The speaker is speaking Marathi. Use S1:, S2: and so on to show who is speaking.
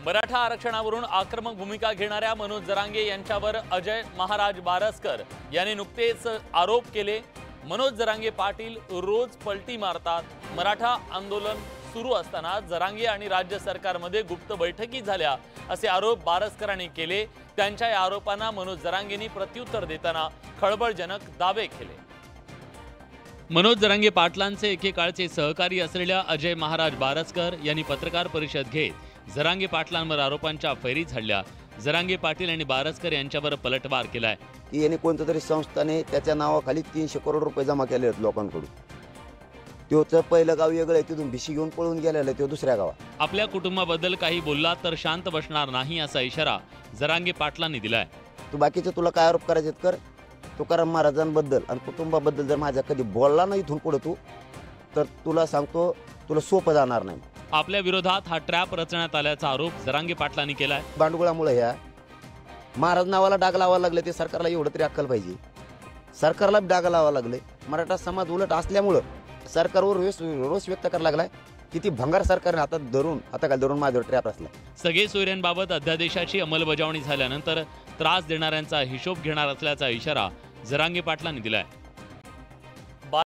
S1: मराठा आरक्षणावरून आक्रमक भूमिका घेणाऱ्या मनोज जरांगे यांच्यावर अजय महाराज बारसकर यांनी नुकतेच आरोप केले। मनोज जरांगे पाटील रोज पलटी मारतात। मराठा आंदोलन सुरू असताना जरांगे आणि राज्य सरकारमध्ये गुप्त बैठकी झाल्या असे आरोप बारसकरांनी केले। त्यांच्या या आरोपांना मनोज जरांगेंनी प्रत्युत्तर देताना खळबळजनक दावे केले। मनोज जरांगे पाटलांचे एकेकाळचे सहकारी असलेल्या अजय महाराज बारसकर यांनी पत्रकार परिषद घेत जरांगे पाटलांवर आरोपांच्या फैरी झाडल्या। जरांगे पाटील आणि बारसकर यांच्यावर पलटवार केलाय
S2: की याने कोणत्या तरी संस्थाने त्याच्या नावाखाली 300 करोड रुपये जमा केले आहेत लोकांकडून। त्योचं पहिलं गाव वेगळं आहे, तिथून भिशी घेऊन पळून गेलेलं आहे, तो दुसऱ्या गावात।
S1: आपल्या कुटुंबाबद्दल काही बोलला तर शांत बसणार नाही असा इशारा जरांगे पाटलांनी दिलाय।
S2: तू बाकीचे तुला काय आरोप करायचे कर, तुकाराम महाराजांबद्दल आणि कुटुंबाबद्दल जर माझ्या कधी बोलला नाही इथून पुढे तू, तर तुला सांगतो तुला सोपं जाणार नाही।
S1: आपल्या विरोधात हा ट्रॅप रचण्यात आल्याचा आरोप जरांगे पाटलांनी केलाय।
S2: भांडुगळामुळे ह्या महाराज नावाला डाग लावायला लागले, ते सरकारला एवढं तरी अक्कल पाहिजे। सरकारला डाग लावायला लागले, मराठा समाज उलट असल्यामुळं सरकारवर रोष व्यक्त करायला लागलाय। किती भंगार सरकारने आता काय धरून माझ्यावर ट्रॅप असला।
S1: सगळे सोयऱ्यांबाबत अध्यादेशाची अंमलबजावणी झाल्यानंतर त्रास देणाऱ्यांचा हिशोब घेणार असल्याचा इशारा जरांगे पाटलांनी दिलाय।